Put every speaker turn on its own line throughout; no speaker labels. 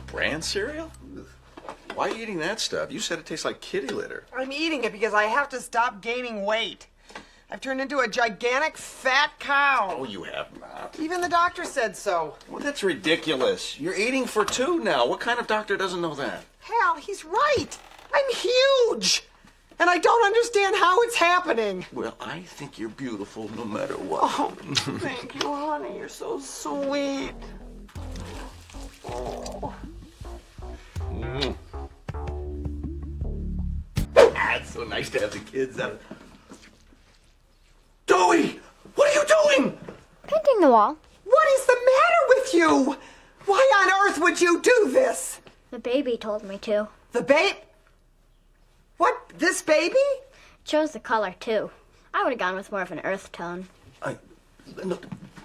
Bran cereal? Why are you eating that stuff? You said it tastes like kitty litter.
I'm eating it because I have to stop gaining weight. I've turned into a gigantic fat cow.
Oh, you have not.
Even the doctor said so.
Well, that's ridiculous. You're eating for two now. What kind of doctor doesn't know that?
Hal, he's right. I'm huge. And I don't understand how it's happening.
Well, I think you're beautiful no matter what.
Oh, thank you, honey. You're so sweet. Oh.
It's so nice to have the kids out. Dewey! What are you doing?
Painting the wall.
What is the matter with you? Why on earth would you do this?
The baby told me to.
The babe? What? This baby?
Chose the color, too. I would have gone with more of an earth tone.
No,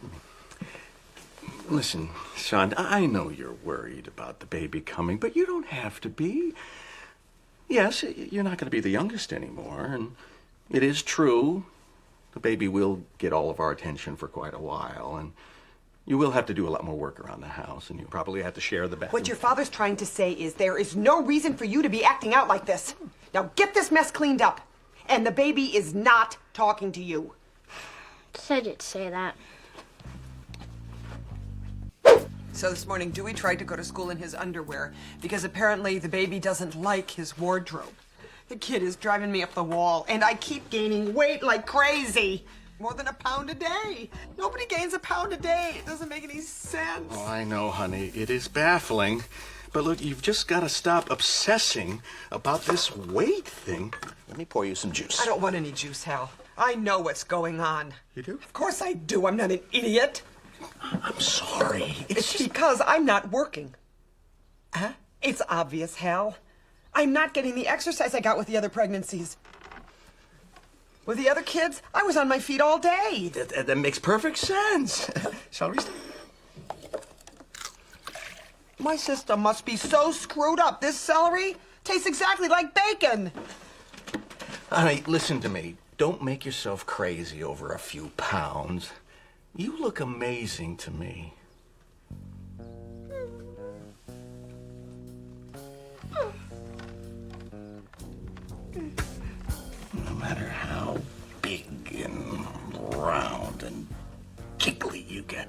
listen, son, I know you're worried about the baby coming, but you don't have to be. Yes, you're not going to be the youngest anymore, and it is true. The baby will get all of our attention for quite a while, and you will have to do a lot more work around the house, and you probably have to share the bathroom.
What your father's trying to say is there is no reason for you to be acting out like this. Now get this mess cleaned up. And the baby is not talking to you.
Said you'd say that.
So this morning, Dewey tried to go to school in his underwear because apparently the baby doesn't like his wardrobe. The kid is driving me up the wall, and I keep gaining weight like crazy. More than a pound a day. Nobody gains a pound a day. It doesn't make any sense.
Oh, I know, honey. It is baffling. But look, you've just got to stop obsessing about this weight thing. Let me pour you some juice.
I don't want any juice, Hal. I know what's going on.
You do?
Of course I do. I'm not an idiot.
I'm sorry.
It's because I'm not working. Huh? It's obvious, Hal. I'm not getting the exercise I got with the other pregnancies. With the other kids, I was on my feet all day.
That makes perfect sense. Shall we start?
My system must be so screwed up. This celery tastes exactly like bacon.
Honey, listen to me. Don't make yourself crazy over a few pounds. You look amazing to me. No matter how big and round and giggly you get.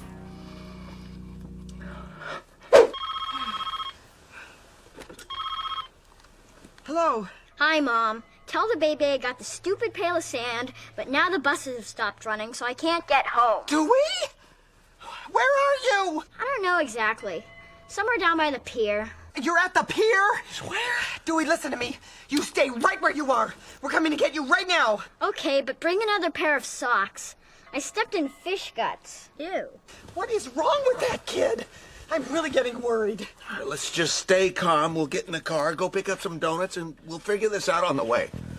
Hello.
Hi, Mom. Tell the baby I got the stupid pail of sand, but now the buses have stopped running, so I can't get home.
Dewey? Where are you?
I don't know exactly. Somewhere down by the pier.
You're at the pier?
Where?
Dewey, listen to me. You stay right where you are. We're coming to get you right now.
Okay, but bring another pair of socks. I stepped in fish guts. Ew.
What is wrong with that kid? I'm really getting worried.
Let's just stay calm. We'll get in the car, go pick up some donuts, and we'll figure this out on the way.